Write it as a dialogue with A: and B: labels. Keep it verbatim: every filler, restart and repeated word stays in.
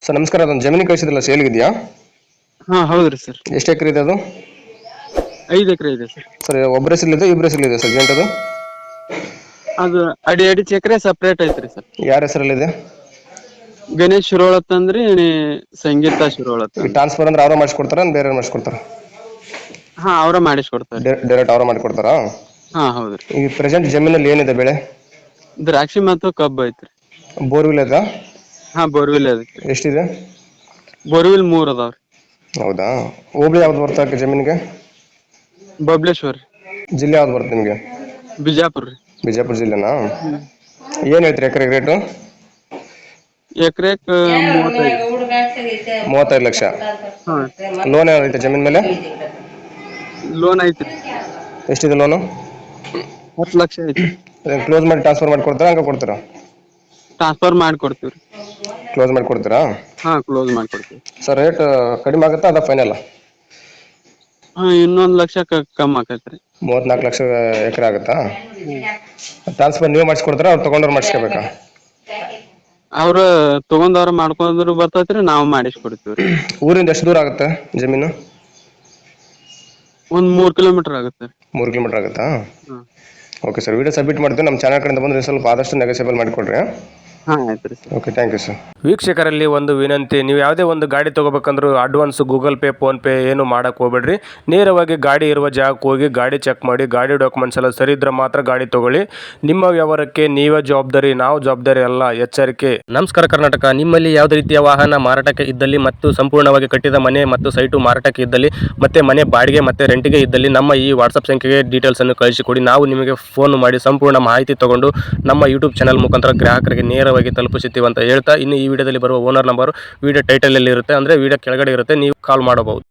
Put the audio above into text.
A: Sir ನಮಸ್ಕಾರ, ಅದೊಂದು ಜಮೀನು ಕಳಿಸಿದ್ರಲ್ಲ, ಸೇಲ್ಗಿದೆಯಾ?
B: ಹಾ ಹೌದ್ರಿ ಸರ್.
A: ಎಷ್ಟು ಎಕರೆ ಇದೆ ಅದು?
B: ಐದು ಎಕರೆ ಇದೆ ಸರ್.
A: ಸರ್ ಒಬ್ಬರ ಹೆಸರಲ್ಲಿದೆ, ಇಬ್ಬರ ಹೆಸರಲ್ಲಿದೆ ಸರ್ ಜಂಟ್ ಅದು?
B: ಅದು ಅಡಿ ಅಡಿ ಎಕರೆ ಸಪ್ರೇಟ್ ಐತ್ರಿ ಸರ್.
A: ಯಾರ ಹೆಸರಲ್ಲಿದೆ?
B: ಗಣೇಶ್ ಶಿರೋಳತ್ ಅಂದ್ರಿ ಸಂಗೀತ ಶಿರೋಳತ್
A: ಈ
B: ಅಂದ್ರಿ.
A: ಟ್ರಾನ್ಸ್ಫರ್ ಅಂದ್ರೆ ಅವರ ಮಾಡಿಸ್ಕೊಡ್ತಾರ, ಬೇರೆ ಮಾಡಿಸ್ಕೊಡ್ತಾರ?
B: ಹಾ ಅವ್ರ ಮಾಡಿಸ್ಕೊಡ್ತಾರೆ.
A: ಡೈರೆಕ್ಟ್ ಅವರ ಮಾಡಿಕೊಡ್ತಾರಾ?
B: ಹಾ ಹೌದ್ರಿ.
A: ಈ ಪ್ರೆಸೆಂಟ್ ಜಮೀನಲ್ಲಿ ಏನಿದೆ ಬೆಳೆ?
B: ದ್ರಾಕ್ಷಿ ಮತ್ತು ಕಬ್ಬು ಐತ್ರಿ.
A: ಬೋರ್ವಿಲ್ ಇದಾ?
B: ಹಾ ಬೋರ್ವಿಲ್ ಅದಕ್ಕೆ.
A: ಎಷ್ಟಿದೆ?
B: ಬೋರ್ವಿಲ್ ಮೂರ್ ಅದಾವ್ರಿ.
A: ಹೌದಾ? ಹೋಬಳಿ ಯಾವ್ದು ಬರ್ತಾ ಜಮೀನಿಗೆ?
B: ಬಬಲೇಶ್ವರ್.
A: ಜಿಲ್ಲೆ ಯಾವ್ದು ಬರುತ್ತೆ ನಿಮಗೆ?
B: ಬಿಜಾಪುರ್ ರೀ.
A: ಬಿಜಾಪುರ ಜಿಲ್ಲೆನಾ? ಏನು ಹೇಳ್ತೀರಿ ಎಕರೆಗೆ ರೇಟು?
B: ಎಕರೆಕ್ ಮೂವತ್ತೈದು.
A: ಮೂವತ್ತೈದು ಲಕ್ಷ.
B: ಹಾ
A: ಲೋನ್ ಏನಾದ್ರು ಐತೆ ಜಮೀನ್ ಮೇಲೆ?
B: ಲೋನ್ ಐತ್ರಿ.
A: ಎಷ್ಟಿದೆ ಲೋನು?
B: ಹತ್ತು ಲಕ್ಷ ಐತ್ರಿ.
A: ಕ್ಲೋಸ್ ಮಾಡಿ ಟ್ರಾನ್ಸ್ಫರ್ ಮಾಡಿ ಕೊಡ್ತಾರಾ, ಹಂಗೆ ಕೊಡ್ತಾರಾ?
B: ಟ್ರಾನ್ಸ್ಫರ್ ಮಾಡಿ ಕೊಡ್ತೀವ್ರಿ.
A: ಕ್ಲೋಸ್ ಮಾಡಿ ಕೊಡ್ತೀರಾ?
B: ಹಾ ಕ್ಲೋಸ್ ಮಾಡಿ ಕೊಡ್ತೀವಿ.
A: ಸರ್ ರೇಟ್ ಕಡಿಮೆ ಆಗುತ್ತಾ ಅದ ಫೈನಲ್?
B: ಹಾ ಇನ್ನೊಂದ್ ಲಕ್ಷ ಕಮ್ಮಿ ಆಕೈತ್ರಿ.
A: ಮೂವತ್ನಾಲ್ಕು ಲಕ್ಷ ಎಕರೆ ಆಗುತ್ತಾ?
B: ಹ್ಮ್.
A: ಟ್ರಾನ್ಸ್ಫರ್ ನೀವು ಮಾಡಿಸ್ಕೊಡ್ತಾರಾ, ಅವ್ರು ತೊಗೊಂಡವ್ರು ಮಾಡಿಸ್ಕೋಬೇಕಾ?
B: ಅವ್ರ ತಗೊಂಡವ್ರ ಮಾಡ್ಕೊಂಡ್ರು ಬರ್ತೈತ್ರಿ, ನಾವು ಮಾಡಿಸ್ಕೊಡ್ತೀವ್ರಿ.
A: ಊರಿಂದ ಎಷ್ಟು ದೂರ ಆಗುತ್ತೆ ಜಮೀನು?
B: ಒಂದ್ ಮೂರ್ ಕಿಲೋಮೀಟರ್ ಆಗುತ್ತೆ.
A: ಮೂರು ಕಿಲೋಮೀಟರ್ ಆಗುತ್ತಾ?
B: ಹ್ಮ್.
A: ಓಕೆ ಸರ್, ವಿಡಿಯೋ ಸಬ್ಮಿಟ್ ಮಾಡ್ತೀವಿ. ನಮ್ಮ ಚಾನಲ್ ಕಡೆಯಿಂದ ಬಂದರೆ ಸ್ವಲ್ಪ ಆದಷ್ಟು ನೆಗೋಸಿಯಬಲ್ ಮಾಡಿಕೊಡ್ರಿ.
B: ಹಾ ಆಯ್ತು ಸರ್.
A: Okay, thank you sir.
C: ವೀಕ್ಷಕರಲ್ಲಿ ಒಂದು ವಿನಂತಿ, ನೀವು ಯಾವುದೇ ಒಂದು ಗಾಡಿ ತೊಗೋಬೇಕಂದ್ರೂ ಅಡ್ವಾನ್ಸ್ ಗೂಗಲ್ ಪೇ ಫೋನ್ಪೇ ಏನು ಮಾಡೋಕ್ಕೆ ಹೋಗ್ಬೇಡ್ರಿ. ನೇರವಾಗಿ ಗಾಡಿ ಇರುವ ಜಾಗಕ್ಕೆ ಹೋಗಿ ಗಾಡಿ ಚೆಕ್ ಮಾಡಿ, ಗಾಡಿ ಡಾಕ್ಯುಮೆಂಟ್ಸ್ ಎಲ್ಲ ಸರಿ ಇದ್ರೆ ಮಾತ್ರ ಗಾಡಿ ತೊಗೊಳ್ಳಿ. ನಿಮ್ಮ ವ್ಯವಹಾರಕ್ಕೆ ನೀವೇ ಜವಾಬ್ದಾರಿ, ನಾವು ಜವಾಬ್ದಾರಿ ಅಲ್ಲ, ಎಚ್ಚರಿಕೆ. ನಮಸ್ಕಾರ ಕರ್ನಾಟಕ. ನಿಮ್ಮಲ್ಲಿ ಯಾವುದೇ ರೀತಿಯ ವಾಹನ ಮಾರಾಟಕ್ಕೆ ಇದ್ದಲ್ಲಿ ಮತ್ತು ಸಂಪೂರ್ಣವಾಗಿ ಕಟ್ಟಿದ ಮನೆ ಮತ್ತು ಸೈಟು ಮಾರಾಟಕ್ಕೆ ಇದ್ದಲ್ಲಿ ಮತ್ತು ಮನೆ ಬಾಡಿಗೆ ಮತ್ತು ರೆಂಟಿಗೆ ಇದ್ದಲ್ಲಿ ನಮ್ಮ ಈ ವಾಟ್ಸಪ್ ಸಂಖ್ಯೆಗೆ ಡೀಟೇಲ್ಸನ್ನು ಕಳಿಸಿಕೊಡಿ. ನಾವು ನಿಮಗೆ ಫೋನ್ ಮಾಡಿ ಸಂಪೂರ್ಣ ಮಾಹಿತಿ ತಗೊಂಡು ನಮ್ಮ ಯೂಟ್ಯೂಬ್ ಚಾನಲ್ ಮುಖಾಂತರ ಗ್ರಾಹಕರಿಗೆ ನೇರವಾಗಿ ತಲುಪಿಸುತ್ತೀವಿ ಅಂತ ಹೇಳ್ತಾ, ಇನ್ನು ಈ ವಿಡಿಯೋದಲ್ಲಿ ಬರುವ ಓನರ್ ನಂಬರ್ ವಿಡಿಯೋ ಟೈಟಲಲ್ಲಿ ಇರುತ್ತೆ, ಅಂದರೆ ವಿಡಿಯೋ ಕೆಳಗಡೆ ಇರುತ್ತೆ, ನೀವು ಕಾಲ್ ಮಾಡಬಹುದು.